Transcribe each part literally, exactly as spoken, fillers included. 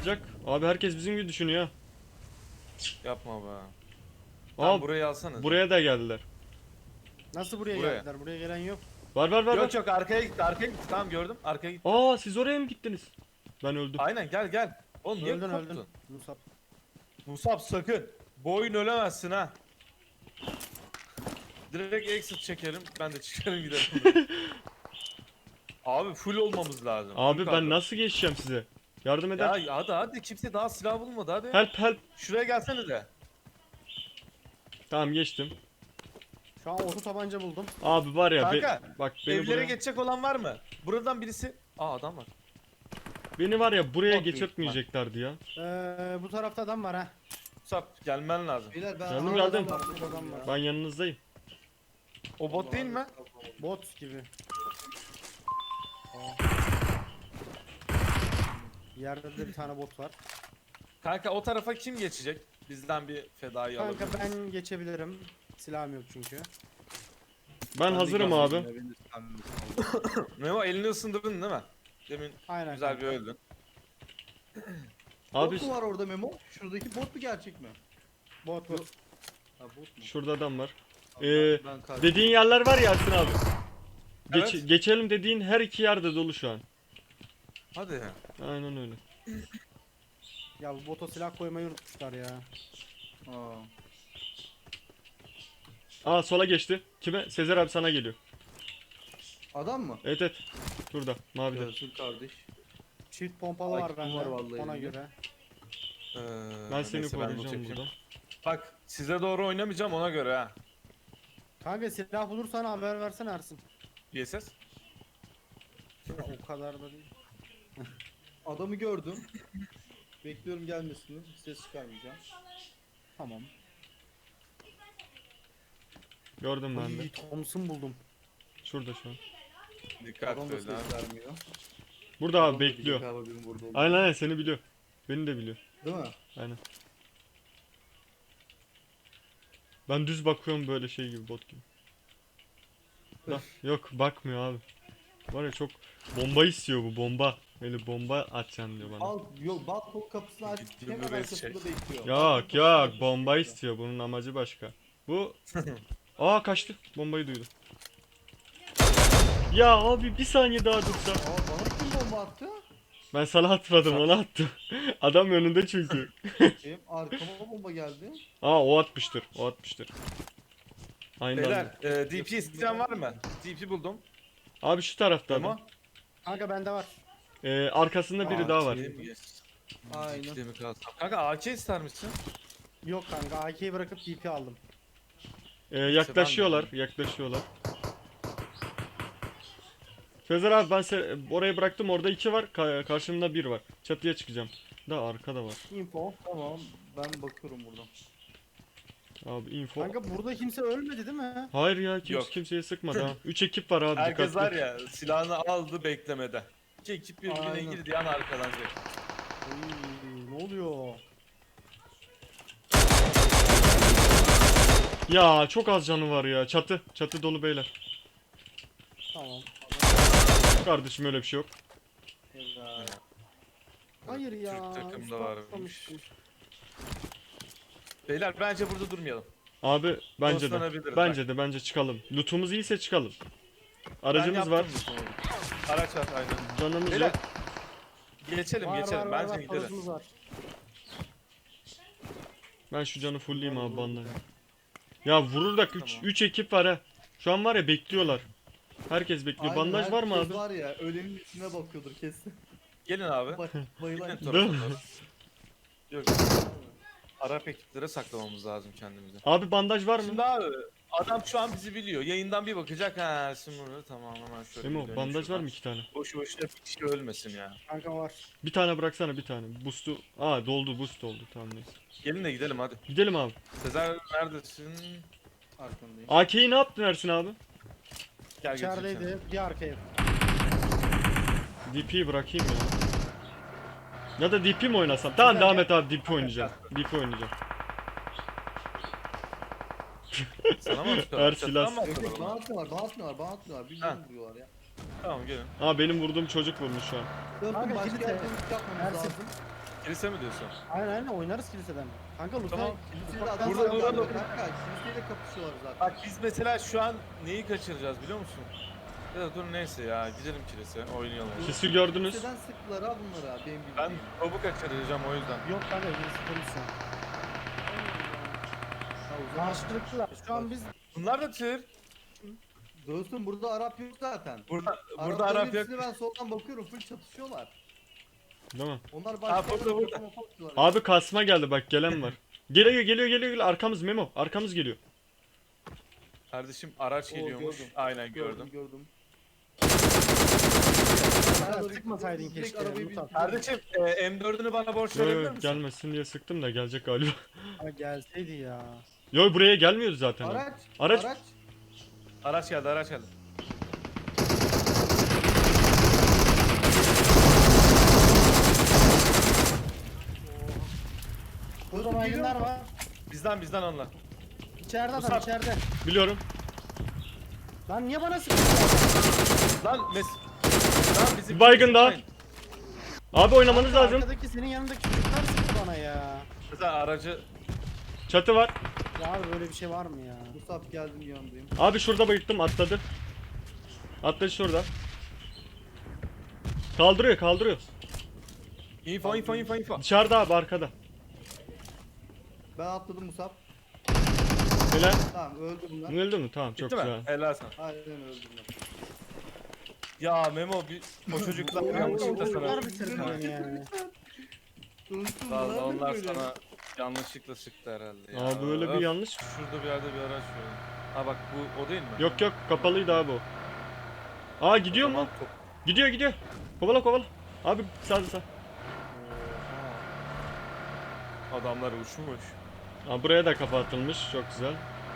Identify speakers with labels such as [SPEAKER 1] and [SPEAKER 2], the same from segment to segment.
[SPEAKER 1] olacak? Abi herkes bizim gibi düşünüyor.
[SPEAKER 2] Yapma be.
[SPEAKER 1] Aa,
[SPEAKER 2] Tamam, burayı alsana.
[SPEAKER 1] buraya da geldiler.
[SPEAKER 3] Nasıl buraya,
[SPEAKER 2] Buraya.
[SPEAKER 3] geldiler? Buraya gelen yok.
[SPEAKER 1] Var var var
[SPEAKER 2] Yok
[SPEAKER 1] var.
[SPEAKER 2] yok, arkaya gitti, arkaya gitti. Tamam, gördüm. Arkaya gitti.
[SPEAKER 1] Aa, siz oraya mı gittiniz? Ben öldüm.
[SPEAKER 2] Aynen, gel gel. Oğlum niye
[SPEAKER 3] Öldün
[SPEAKER 2] korktun?
[SPEAKER 3] öldün. Musab.
[SPEAKER 2] Musab sakın. Bu oyun ölemezsin ha. Direkt exit çekelim. Ben de çıkarım gidelim. Abi full olmamız lazım. Full
[SPEAKER 1] Abi ben
[SPEAKER 2] kadro.
[SPEAKER 1] nasıl geçeceğim size? Yardım eder.
[SPEAKER 2] Ya hadi hadi, kimse daha silah bulmadı hadi.
[SPEAKER 1] Help help.
[SPEAKER 2] Şuraya gelsene de.
[SPEAKER 1] Tamam, geçtim.
[SPEAKER 3] Şu an oto tabanca buldum.
[SPEAKER 1] Abi var ya be-
[SPEAKER 2] Kanka,
[SPEAKER 1] bak beni
[SPEAKER 2] Evlere
[SPEAKER 1] buraya,
[SPEAKER 2] geçecek olan var mı? Buradan birisi... Aa, adam var.
[SPEAKER 1] beni var ya buraya
[SPEAKER 2] Çok büyük
[SPEAKER 1] geçirtmeyeceklerdi ya.
[SPEAKER 3] Ee, bu tarafta adam var ha.
[SPEAKER 2] Musab gelmen lazım.
[SPEAKER 4] Beyler ben
[SPEAKER 1] Geldim,
[SPEAKER 4] Aa,
[SPEAKER 1] geldim.
[SPEAKER 4] adam var,
[SPEAKER 3] Burada adam var.
[SPEAKER 1] Ben yanınızdayım.
[SPEAKER 2] O bot değil mi?
[SPEAKER 3] Bot gibi. Yerde de bir tane bot var.
[SPEAKER 2] Kanka o tarafa kim geçecek? Bizden bir fedayı
[SPEAKER 3] Kanka
[SPEAKER 2] alabilir.
[SPEAKER 3] ben geçebilirim. Silahım yok çünkü.
[SPEAKER 1] Ben hazırım abi.
[SPEAKER 2] Memo, elini ısındırdın değil mi? Demin
[SPEAKER 3] Aynen.
[SPEAKER 2] güzel bir
[SPEAKER 3] kanka.
[SPEAKER 2] öldün.
[SPEAKER 1] Abi
[SPEAKER 4] Bot mu var orada Memo? Şuradaki bot mu gerçek mi?
[SPEAKER 3] Bot bot.
[SPEAKER 4] Ha bot mu?
[SPEAKER 1] şurada adam var.
[SPEAKER 4] Abi
[SPEAKER 1] Ee,
[SPEAKER 4] ben, ben kaç-
[SPEAKER 1] Dediğin yerler var ya Ersin abi. Geç,
[SPEAKER 2] Evet.
[SPEAKER 1] Geçelim dediğin her iki yerde dolu şu an.
[SPEAKER 2] Hadi.
[SPEAKER 1] Aynen öyle.
[SPEAKER 3] Ya bu bota silah koymayı unutmuşlar ya.
[SPEAKER 4] Aa.
[SPEAKER 1] Aa, sola geçti. Kime? Sezer abi sana geliyor.
[SPEAKER 4] Adam mı?
[SPEAKER 1] Evet evet. Şurada mavide.
[SPEAKER 4] Görsün kardeş.
[SPEAKER 3] Çift pompalı
[SPEAKER 4] Ay,
[SPEAKER 3] var
[SPEAKER 4] kim
[SPEAKER 3] bende.
[SPEAKER 4] var vallahi
[SPEAKER 3] Ona
[SPEAKER 4] elimde.
[SPEAKER 3] göre.
[SPEAKER 2] Ee,
[SPEAKER 1] Ben seni
[SPEAKER 2] neyse,
[SPEAKER 1] koruyacağım
[SPEAKER 2] loot yapayım.
[SPEAKER 1] buradan.
[SPEAKER 2] Bak, size doğru oynamayacağım ona göre ha.
[SPEAKER 3] Kanka silah bulursan haber versene Ersin.
[SPEAKER 2] B S S.
[SPEAKER 3] O kadar da değil.
[SPEAKER 4] Adamı gördüm. Bekliyorum gelmesini. Ses çıkarmayacağım.
[SPEAKER 3] Tamam.
[SPEAKER 1] Gördüm ben de.
[SPEAKER 3] İyi Thompson buldum.
[SPEAKER 1] Şurada şu an.
[SPEAKER 2] Dikkat
[SPEAKER 4] Adam da
[SPEAKER 2] öyle ha.
[SPEAKER 4] ses vermiyor.
[SPEAKER 1] Burada
[SPEAKER 4] Adam
[SPEAKER 1] abi
[SPEAKER 4] da
[SPEAKER 1] bekliyor.
[SPEAKER 4] diyecek abi benim burada olduğumu.
[SPEAKER 1] Aynen aynen, seni biliyor. Beni de biliyor.
[SPEAKER 4] Değil mi?
[SPEAKER 1] Aynen. Ben düz bakıyorum böyle şey gibi, bot gibi. Lan, yok bakmıyor abi. Var ya, çok bomba istiyor bu, bomba. Böyle bomba atacaksın diyor bana.
[SPEAKER 4] Al, yok balkon kapısını aç.
[SPEAKER 2] Gittiğim
[SPEAKER 4] Hemen
[SPEAKER 2] bir
[SPEAKER 4] arkasında
[SPEAKER 2] şey.
[SPEAKER 4] bekliyor. Balkon
[SPEAKER 1] Yok
[SPEAKER 4] kapısının
[SPEAKER 1] yok,
[SPEAKER 4] arkasında
[SPEAKER 1] bomba
[SPEAKER 4] bekliyor.
[SPEAKER 1] istiyor, bunun amacı başka. Bu aa, kaçtı, bombayı duydu. Ya abi bir saniye daha dursa.
[SPEAKER 4] Aa bana kim bomba attı?
[SPEAKER 1] Ben sana atmadım, ona attım. Adam önünde çünkü.
[SPEAKER 4] Benim arkama bomba geldi.
[SPEAKER 1] Aa, o atmıştır, o atmıştır. Aynen.
[SPEAKER 2] Beyler, e, D P isteyen var mı? D P buldum.
[SPEAKER 1] Abi şu tarafta
[SPEAKER 2] Memo.
[SPEAKER 1] adam.
[SPEAKER 3] Kanka bende var.
[SPEAKER 1] Ee, arkasında biri daha var.
[SPEAKER 2] A K'ye mi geçsin?
[SPEAKER 4] Aynen.
[SPEAKER 2] D P'de mi kalsam? Kanka A K ister misin?
[SPEAKER 3] Yok kanka A K'yi bırakıp D P aldım.
[SPEAKER 1] Ee, yaklaşıyorlar, yaklaşıyorlar. Sezer abi, ben se- oraya bıraktım, orada iki var, ka- karşımda bir var. Çatıya çıkacağım. Da arkada var.
[SPEAKER 4] Info. Tamam. Ben bakıyorum buradan.
[SPEAKER 1] Abi info.
[SPEAKER 3] Kanka burada kimse ölmedi değil mi?
[SPEAKER 1] Hayır ya, kimse
[SPEAKER 2] Yok.
[SPEAKER 1] kimseye sıkmadı ha. üç ekip var abi,
[SPEAKER 2] Herkes
[SPEAKER 1] dikkatli.
[SPEAKER 2] var ya, silahını aldı beklemede. İki ekip birbirine
[SPEAKER 4] Aynen.
[SPEAKER 2] girdi yan arkadan direkt.
[SPEAKER 3] Oy, ne oluyor?
[SPEAKER 1] Ya çok az canı var ya. Çatı, çatı dolu beyler.
[SPEAKER 3] Tamam.
[SPEAKER 1] Kardeşim öyle bir şey yok.
[SPEAKER 4] Helal.
[SPEAKER 3] Hayır ya.
[SPEAKER 2] Türk takımda
[SPEAKER 3] üstü
[SPEAKER 2] varmış.
[SPEAKER 3] atlamıştım.
[SPEAKER 2] Beyler bence burada durmayalım.
[SPEAKER 1] Abi bence de.
[SPEAKER 2] Dostlanabiliriz
[SPEAKER 1] Bence de bence çıkalım. Lootumuz iyiyse çıkalım. Aracımız
[SPEAKER 2] Ben
[SPEAKER 1] var.
[SPEAKER 2] yaptım bu konuyu. Araç var aynen.
[SPEAKER 1] Canımız
[SPEAKER 2] Beyler
[SPEAKER 1] yok.
[SPEAKER 2] geçelim
[SPEAKER 3] Var,
[SPEAKER 2] geçelim
[SPEAKER 3] var, var,
[SPEAKER 2] bence
[SPEAKER 3] var,
[SPEAKER 2] gidelim.
[SPEAKER 3] parasımız var.
[SPEAKER 1] Ben şu canı fullleyeyim abi bandaj. Ya vurur da üç
[SPEAKER 2] Tamam.
[SPEAKER 1] ekip var ha. Şu an var ya, bekliyorlar. Herkes bekliyor.
[SPEAKER 4] Aynen,
[SPEAKER 1] Bandaj var mı
[SPEAKER 4] herkes
[SPEAKER 1] abi?
[SPEAKER 4] var ya ölenin üstüne bakıyordur kesin.
[SPEAKER 2] Gelin abi.
[SPEAKER 4] Bay bayılan
[SPEAKER 2] Gelin
[SPEAKER 1] Değil mi?
[SPEAKER 2] tarafa doğru. Yok. Arap ekiplere saklamamız lazım kendimizi.
[SPEAKER 1] Abi bandaj var mı?
[SPEAKER 2] Şimdi abi adam şu an bizi biliyor. Yayından bir bakacak, ha Simur'u tamam hemen şöyle. bir
[SPEAKER 1] Emo,
[SPEAKER 2] döneyim
[SPEAKER 1] bandaj var
[SPEAKER 2] şuradan.
[SPEAKER 1] mı iki tane?
[SPEAKER 2] Boşu boşuna bir kişi ölmesin ya.
[SPEAKER 3] Kanka var.
[SPEAKER 1] Bir tane bıraksana, bir tane. Boost'u. Aa, doldu, boost doldu. Tamam neyse.
[SPEAKER 2] Gelin de gidelim hadi.
[SPEAKER 1] Gidelim abi.
[SPEAKER 2] Sezer neredesin?
[SPEAKER 4] arkandayım.
[SPEAKER 1] A K'yi ne yaptın Ersin abi?
[SPEAKER 2] Gel götüreyim seni.
[SPEAKER 3] İçerideydi. Bir arka ev.
[SPEAKER 1] D P'yi bırakayım ya. Ya da D P mi oynasam? Tamam, devam et abi, D P oynayacağım. D P oynayacağım.
[SPEAKER 2] Sana mı atıyorlar?
[SPEAKER 1] Her
[SPEAKER 2] Çatıdan
[SPEAKER 1] silah-
[SPEAKER 2] mı
[SPEAKER 4] Yok
[SPEAKER 2] atıyorlar
[SPEAKER 4] yok
[SPEAKER 2] bana?
[SPEAKER 4] bana atmıyorlar, bana atmıyorlar, bana atmıyorlar. Bilmiyorum
[SPEAKER 2] Ha.
[SPEAKER 4] vuruyorlar ya.
[SPEAKER 2] Tamam gelin.
[SPEAKER 1] Aa, benim vurduğum çocuk vurmuş şu an.
[SPEAKER 4] Döndüm
[SPEAKER 3] Kanka,
[SPEAKER 4] başka
[SPEAKER 3] kilite.
[SPEAKER 4] yerde yapmamız
[SPEAKER 3] Ersin.
[SPEAKER 4] lazım.
[SPEAKER 2] Kilise mi diyorsun?
[SPEAKER 3] Aynen aynen oynarız kiliseden. Kanka Lutay.
[SPEAKER 2] Tamam.
[SPEAKER 4] Kilisede
[SPEAKER 3] Ufak-
[SPEAKER 4] adam
[SPEAKER 2] Burada
[SPEAKER 4] var
[SPEAKER 2] duralım.
[SPEAKER 4] kanka. Kiliseyle kapışıyorlar zaten.
[SPEAKER 2] Bak biz mesela şu an neyi kaçıracağız biliyor musun? Ya da dur neyse ya gidelim kilise oynayalım.
[SPEAKER 1] Sisi gördünüz.
[SPEAKER 4] Kiliseden sıktılar ha bunları ha benim bildiğim.
[SPEAKER 2] Ben topu kaçıracağım o yüzden.
[SPEAKER 3] Yok kanka gerisi konuşsun.
[SPEAKER 4] Ha, o zaman
[SPEAKER 3] Karşılıklılar. Şu an biz
[SPEAKER 2] Bunlar da tır.
[SPEAKER 4] dostum burada Arap yok zaten.
[SPEAKER 2] Burada burada
[SPEAKER 4] Arapların
[SPEAKER 2] Arap yok.
[SPEAKER 4] hepsini ben soldan bakıyorum full çatışıyorlar.
[SPEAKER 1] Değil mi?
[SPEAKER 4] Onlar
[SPEAKER 2] Ha,
[SPEAKER 4] başka
[SPEAKER 2] burada, burada.
[SPEAKER 1] Abi kasma geldi bak, gelen var. Geliyor geliyor geliyor geliyor, arkamız Memo, arkamız geliyor.
[SPEAKER 2] Kardeşim araç
[SPEAKER 4] Oo,
[SPEAKER 2] geliyormuş.
[SPEAKER 4] gördüm.
[SPEAKER 2] Aynen gördüm.
[SPEAKER 4] gördüm. gördüm.
[SPEAKER 3] Sen sıkmasaydın
[SPEAKER 4] Direkt
[SPEAKER 3] keşke,
[SPEAKER 4] arabayı
[SPEAKER 3] Mutat.
[SPEAKER 4] bir-
[SPEAKER 2] Kardeşim e, M dördünü bana borç
[SPEAKER 1] Yo,
[SPEAKER 2] verebilir
[SPEAKER 1] yo,
[SPEAKER 2] misin?
[SPEAKER 1] gelmesin diye sıktım da gelecek galiba.
[SPEAKER 3] Ha, gelseydi ya.
[SPEAKER 1] Yo, buraya gelmiyordu zaten. o.
[SPEAKER 4] Araç.
[SPEAKER 1] Araç-
[SPEAKER 4] Araç.
[SPEAKER 2] Araç geldi araç geldi.
[SPEAKER 3] Burada baygınlar var.
[SPEAKER 2] Bizden bizden onlar.
[SPEAKER 3] İçeride adam
[SPEAKER 2] Musab.
[SPEAKER 3] içeride.
[SPEAKER 1] Biliyorum.
[SPEAKER 3] Lan niye bana sıkıyorsun?
[SPEAKER 2] Lan mes... Lan bizim...
[SPEAKER 1] Bir baygın daha. Abi oynamanız
[SPEAKER 3] Kanka,
[SPEAKER 1] lazım.
[SPEAKER 3] Arkadaki senin yanındaki çocuklar sıktı bana ya.
[SPEAKER 2] Mesela aracı...
[SPEAKER 1] Çatı var.
[SPEAKER 3] Ya abi böyle bir şey var mı ya?
[SPEAKER 4] Musab geldim yanındayım.
[SPEAKER 1] Abi şurada bayılttım, atladı. Atladı şurada. Kaldırıyor kaldırıyor.
[SPEAKER 2] Info info info info.
[SPEAKER 1] Dışarıda abi, arkada.
[SPEAKER 4] Ben atladım Musab.
[SPEAKER 1] Helal.
[SPEAKER 4] Tamam öldü bunlar.
[SPEAKER 1] Öldü mü? Tamam, çok
[SPEAKER 2] Bitti mi?
[SPEAKER 1] güzel.
[SPEAKER 2] Helal sana.
[SPEAKER 4] Aynen öldü bunlar.
[SPEAKER 2] Ya Memo bir... O çocuklar
[SPEAKER 3] Oo,
[SPEAKER 2] yanlışlıkla
[SPEAKER 3] o
[SPEAKER 2] sana...
[SPEAKER 3] çocuklar bitirdi beni yani.
[SPEAKER 4] Dostum
[SPEAKER 2] Vallahi
[SPEAKER 4] bunlar
[SPEAKER 2] onlar
[SPEAKER 4] böyle.
[SPEAKER 2] sana yanlışlıkla sıktı herhalde ya.
[SPEAKER 1] Aa, böyle bir
[SPEAKER 2] Öf,
[SPEAKER 1] yanlış.
[SPEAKER 2] Şurada bir yerde bir araç var. Ha bak bu o değil mi?
[SPEAKER 1] Yok yok, kapalıydı abi o. Aa, gidiyor
[SPEAKER 2] O zaman
[SPEAKER 1] mu?
[SPEAKER 2] top-
[SPEAKER 1] Gidiyor gidiyor. Kovala kovala. Abi sağ sağ.
[SPEAKER 2] Adamlar uçmuş.
[SPEAKER 1] Aa, buraya da kafa atılmış. Çok güzel.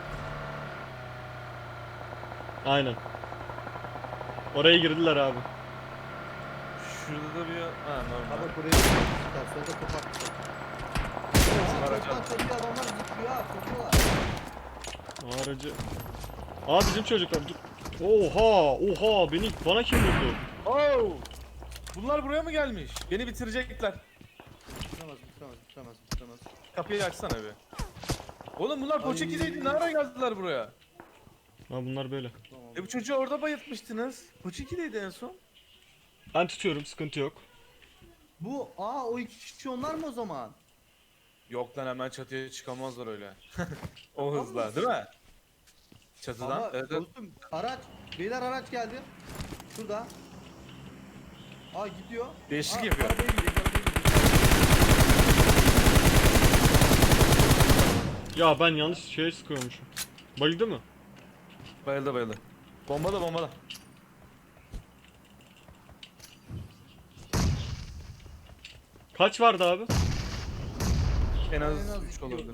[SPEAKER 1] Aynen. Oraya girdiler abi.
[SPEAKER 2] Şurada da bir... Ha
[SPEAKER 4] Ha
[SPEAKER 2] normal.
[SPEAKER 4] bak buraya çıkmışlar. Solda kapatmışlar.
[SPEAKER 2] Araç
[SPEAKER 4] Soldan
[SPEAKER 2] al.
[SPEAKER 4] çatıya adamlar zıplıyor ha. Sokuyorlar.
[SPEAKER 1] Aracı. Aa, bizim çocuklar. Dur. Oha oha, beni bana kim vurdu?
[SPEAKER 2] Oo! Bunlar buraya mı gelmiş? Beni bitirecekler.
[SPEAKER 4] Bitiremez, bitiremez, bitiremez, bitiremez.
[SPEAKER 2] Kapıyı açsana bir. Oğlum bunlar
[SPEAKER 4] Ay.
[SPEAKER 2] Poçiki'deydi. Ne ara geldiler buraya?
[SPEAKER 1] Ha, bunlar böyle.
[SPEAKER 4] Tamam.
[SPEAKER 2] E bu çocuğu orada bayıltmıştınız. Poçiki'deydi en son.
[SPEAKER 1] Ben tutuyorum, sıkıntı yok.
[SPEAKER 4] Bu, aa o iki kişi onlar mı o zaman?
[SPEAKER 2] Yok lan hemen çatıya çıkamazlar öyle. O hızla değil mi? Çatıdan.
[SPEAKER 4] Ama
[SPEAKER 2] Evet, evet.
[SPEAKER 4] dostum araç, beyler araç geldi. Şurada. Aa gidiyor.
[SPEAKER 2] Değişik
[SPEAKER 4] Aa,
[SPEAKER 2] yapıyor.
[SPEAKER 4] Arabaya gidiyor, arabaya gidiyor.
[SPEAKER 1] Ya ben yanlış şeye sıkıyormuşum. Bayıldı mı?
[SPEAKER 2] Bayıldı bayıldı. Bomba da bomba da.
[SPEAKER 1] Kaç vardı abi?
[SPEAKER 2] En
[SPEAKER 4] En
[SPEAKER 2] az
[SPEAKER 4] az
[SPEAKER 2] üç
[SPEAKER 4] iki
[SPEAKER 2] olabilir.
[SPEAKER 4] oldu.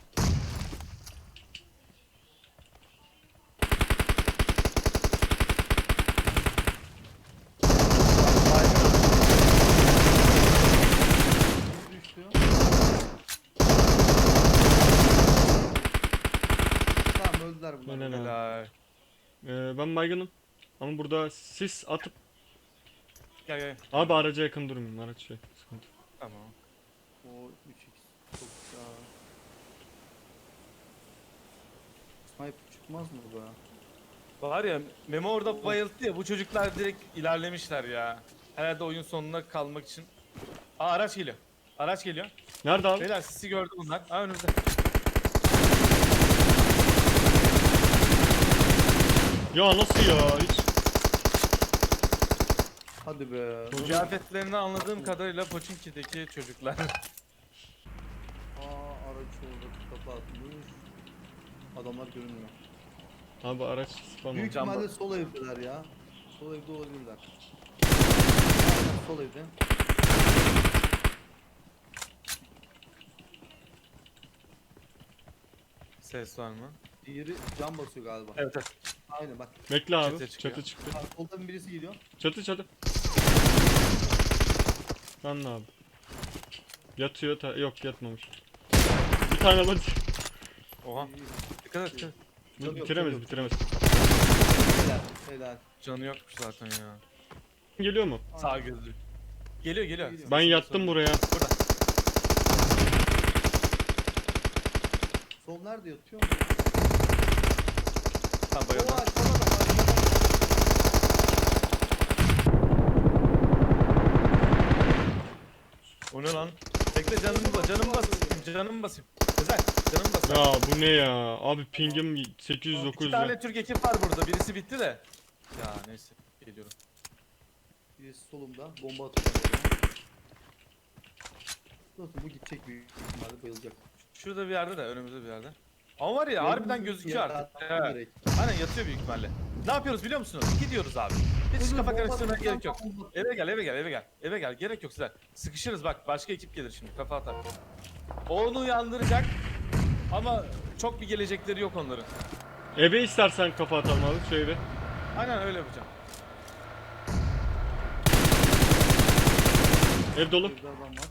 [SPEAKER 4] Biri düştü. Tamam öldüler bunlar.
[SPEAKER 1] Helal abi.
[SPEAKER 2] Helal.
[SPEAKER 1] Ee, ben baygınım. Ama burada sis atıp...
[SPEAKER 2] Gel gel.
[SPEAKER 1] Abi araca yakın durmayayım, araç şey sıkıntı.
[SPEAKER 2] Tamam.
[SPEAKER 4] O üç x. Çok güzel. Sniper çıkmaz mı bu ya?
[SPEAKER 2] Var ya Memo orada bayılttı ya bu çocuklar direkt ilerlemişler ya. Herhalde oyun sonuna kalmak için. Aa araç geliyor. Araç geliyor.
[SPEAKER 1] Nerede abi?
[SPEAKER 2] Beyler sizi gördü bunlar. Aa önümüzde.
[SPEAKER 1] Ya nasıl ya? Hiç...
[SPEAKER 4] Hadi be.
[SPEAKER 1] Çocuk-
[SPEAKER 2] Kıyafetlerini anladığım kadarıyla Pochinki'deki çocuklar.
[SPEAKER 4] Aa araç orada kapatmış. Adamlar görünmüyor.
[SPEAKER 1] Abi araç spam
[SPEAKER 4] Büyük
[SPEAKER 1] oldu.
[SPEAKER 2] Cam
[SPEAKER 4] ihtimalle sol evdeler ya. Sol evde olabilirler. Aynen sol evde.
[SPEAKER 2] Ses var mı?
[SPEAKER 4] Diğeri cam basıyor galiba.
[SPEAKER 2] Evet evet.
[SPEAKER 4] Aynen bak.
[SPEAKER 1] Bekle abi.
[SPEAKER 2] Çatıya çıkıyor.
[SPEAKER 1] Çatı çıktı.
[SPEAKER 4] Bak, soldan birisi geliyor.
[SPEAKER 1] Çatı çatı. Lan ne abi? Yatıyor ta- yok yatmamış. Bir tane hadi.
[SPEAKER 2] Oha. Dikkat et. dikkat et.
[SPEAKER 1] Bu
[SPEAKER 4] Yok, yok,
[SPEAKER 1] bitiremez
[SPEAKER 4] yok.
[SPEAKER 1] bitiremez.
[SPEAKER 4] Helal. Helal.
[SPEAKER 2] Canı yokmuş zaten ya.
[SPEAKER 1] Geliyor mu?
[SPEAKER 2] Sağ gözlü. Geliyor geliyor.
[SPEAKER 4] Geliyor.
[SPEAKER 1] Ben yattım buraya.
[SPEAKER 2] Burada.
[SPEAKER 4] Sol nerede yatıyor mu?
[SPEAKER 2] Tam bayıldım.
[SPEAKER 4] Oo aşağıda da var.
[SPEAKER 2] O ne lan? Bekle canımı bas, canımı basayım, canımı basayım. Sezer, canımı basayım.
[SPEAKER 1] Ya bu ne ya? Abi pingim sekiz yüz
[SPEAKER 2] İki
[SPEAKER 1] dokuz yüz.
[SPEAKER 2] tane Türk ekip var burada. Birisi bitti de. Ya neyse. Geliyorum.
[SPEAKER 4] Birisi solumda. Bomba atacağım oraya. Dostum bu gidecek büyük ihtimalle bayılacak.
[SPEAKER 2] Şurada bir yerde de, önümüzde bir yerde. Ama var ya harbiden gözüküyor
[SPEAKER 4] Yere
[SPEAKER 2] artık.
[SPEAKER 4] attım
[SPEAKER 2] Evet.
[SPEAKER 4] direkt.
[SPEAKER 2] Aynen yatıyor büyük ihtimalle. Ne yapıyoruz biliyor musunuz? Gidiyoruz abi. Hiç
[SPEAKER 4] Dur,
[SPEAKER 2] kafa
[SPEAKER 4] bomba
[SPEAKER 2] karıştırmaya
[SPEAKER 4] atacağım,
[SPEAKER 2] gerek yok.
[SPEAKER 4] bomba atacağım.
[SPEAKER 2] Eve gel, eve gel, eve gel. Eve gel. Gerek yok size. Sıkışırız bak. Başka ekip gelir şimdi. Kafa atar. O onu uyandıracak. Ama çok bir gelecekleri yok onların.
[SPEAKER 1] Eve istersen kafa atalım abi şu eve.
[SPEAKER 2] Aynen öyle yapacağım.
[SPEAKER 1] Ev dolu.
[SPEAKER 4] Bir adam var.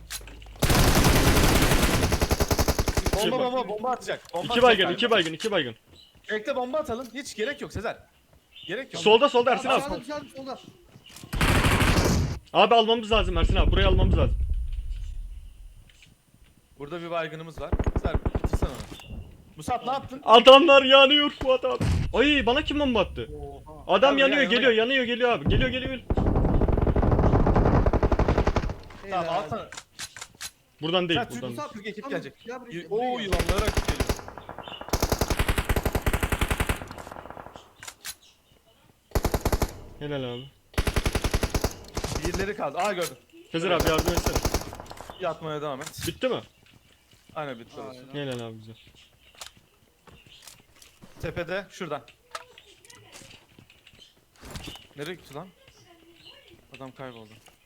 [SPEAKER 2] Bomba
[SPEAKER 1] bak-
[SPEAKER 2] bomba bomba atacak. Bomba
[SPEAKER 1] İki
[SPEAKER 2] atacak
[SPEAKER 1] baygın,
[SPEAKER 2] galiba.
[SPEAKER 1] iki baygın, iki baygın.
[SPEAKER 2] Bekle bomba atalım. Hiç gerek yok Sezer. Gerek yok.
[SPEAKER 1] Solda solda Ersin abi.
[SPEAKER 4] Aşağıda dışarıda solda.
[SPEAKER 1] Abi almamız lazım Ersin abi. Burayı almamız lazım.
[SPEAKER 2] Burada bir baygınımız var. Sezer bitirsen onu. Musab ne yaptın?
[SPEAKER 1] Adamlar yanıyor Fuat abi. Ay bana kim bomba attı?
[SPEAKER 4] Oha.
[SPEAKER 1] Adam
[SPEAKER 2] Gel,
[SPEAKER 1] yanıyor,
[SPEAKER 2] gel, gel.
[SPEAKER 1] geliyor, yanıyor, geliyor abi. Geliyor, geliyor.
[SPEAKER 2] Tamam
[SPEAKER 4] Helal.
[SPEAKER 2] alsana.
[SPEAKER 1] Buradan değil,
[SPEAKER 2] Sen Türk
[SPEAKER 1] buradan.
[SPEAKER 2] Musab Türk ekip
[SPEAKER 4] Tamam,
[SPEAKER 2] gelecek.
[SPEAKER 4] gel buraya,
[SPEAKER 2] Y-
[SPEAKER 4] buraya
[SPEAKER 2] Oo
[SPEAKER 4] gel.
[SPEAKER 2] yılanlara rakip geliyor.
[SPEAKER 1] Helal abi.
[SPEAKER 2] Birileri kaldı. Aa gördüm.
[SPEAKER 1] Sezer abi yardım etsene.
[SPEAKER 2] Yatmaya devam et.
[SPEAKER 1] Bitti mi?
[SPEAKER 2] Aynen bitti orası.
[SPEAKER 4] Aynen.
[SPEAKER 1] Helal abi güzel.
[SPEAKER 2] Tepede şuradan. Nereye gitti lan? Adam kayboldu.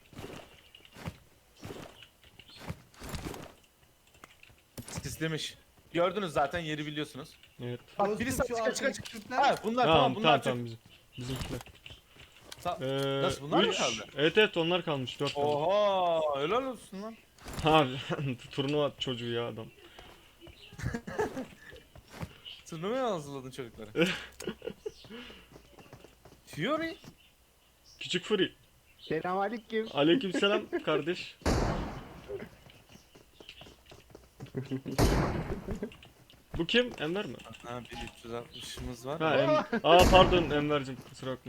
[SPEAKER 2] Sislemiş. Gördünüz zaten yeri biliyorsunuz.
[SPEAKER 1] Evet.
[SPEAKER 2] Bak
[SPEAKER 4] Dostum,
[SPEAKER 2] birisi
[SPEAKER 4] şu
[SPEAKER 2] çıka çıka
[SPEAKER 4] arkadaki
[SPEAKER 2] çıka.
[SPEAKER 4] Türkler-
[SPEAKER 2] Ha bunlar
[SPEAKER 1] Tamam,
[SPEAKER 2] tamam bunlar
[SPEAKER 1] tamam,
[SPEAKER 2] Türk.
[SPEAKER 1] bizim. Bizimkiler.
[SPEAKER 2] Ta-
[SPEAKER 1] Ee,
[SPEAKER 2] Nasıl, bunlar mı
[SPEAKER 1] üç-
[SPEAKER 2] kaldı?
[SPEAKER 1] Evet evet onlar kalmış, dört kaldı.
[SPEAKER 2] Oha helal olsun lan.
[SPEAKER 1] Abi turnuva çocuğu ya adam.
[SPEAKER 2] Turnuvaya hazırladın çocukları. Fury.
[SPEAKER 1] Küçük Furi.
[SPEAKER 3] Selamünaleyküm.
[SPEAKER 1] Aleykümselam kardeş. Bu kim? Enver mi?
[SPEAKER 2] Ha bir üç yüz altmışımız var.
[SPEAKER 1] Ha, em Aa pardon Enver'cim kusura bakma.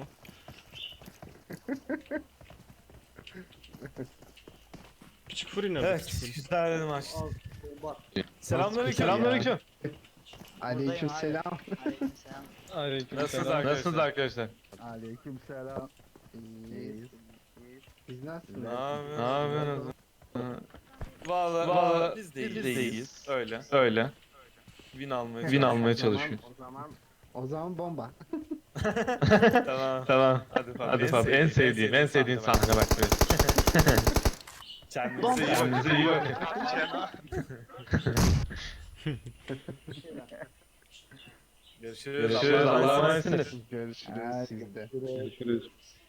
[SPEAKER 1] Küçük Furi nerede?
[SPEAKER 2] Evet
[SPEAKER 1] Küçük Furi?
[SPEAKER 2] güzel maç.
[SPEAKER 4] Al, bomba.
[SPEAKER 2] Selamünaleyküm.
[SPEAKER 5] Selamünaleyküm.
[SPEAKER 3] Aleykümselam.
[SPEAKER 5] Aleyküm.
[SPEAKER 2] Nasılsınız arkadaşlar?
[SPEAKER 5] Nasılsınız arkadaşlar?
[SPEAKER 3] Aleykümselam. İyiyiz. Siz nasılsınız?
[SPEAKER 2] Ne
[SPEAKER 5] Ne
[SPEAKER 2] yapıyorsunuz?
[SPEAKER 5] yapıyorsunuz?
[SPEAKER 2] Valla
[SPEAKER 5] Valla
[SPEAKER 2] biz
[SPEAKER 5] biz
[SPEAKER 2] değiliz.
[SPEAKER 5] değiliz.
[SPEAKER 2] Öyle.
[SPEAKER 5] Öyle.
[SPEAKER 2] Win almaya
[SPEAKER 5] Win
[SPEAKER 2] çalışıyoruz.
[SPEAKER 5] almaya
[SPEAKER 3] O zaman-
[SPEAKER 5] çalışıyor.
[SPEAKER 3] O zaman o zaman bomba.
[SPEAKER 2] Tamam.
[SPEAKER 5] Tamam.
[SPEAKER 2] Hadi Fab.
[SPEAKER 5] Hadi Fab en sevdiğim, en sevdiğin sahne bak. Evet.
[SPEAKER 2] Kendinize iyi bakın.
[SPEAKER 5] Kendinize iyi bakın.
[SPEAKER 2] Görüşürüz.
[SPEAKER 5] Görüşürüz.
[SPEAKER 2] Allah'a
[SPEAKER 5] Allah'a
[SPEAKER 2] emanet.
[SPEAKER 5] emanetsiniz.
[SPEAKER 3] Görüşürüz sizde.
[SPEAKER 5] Görüşürüz.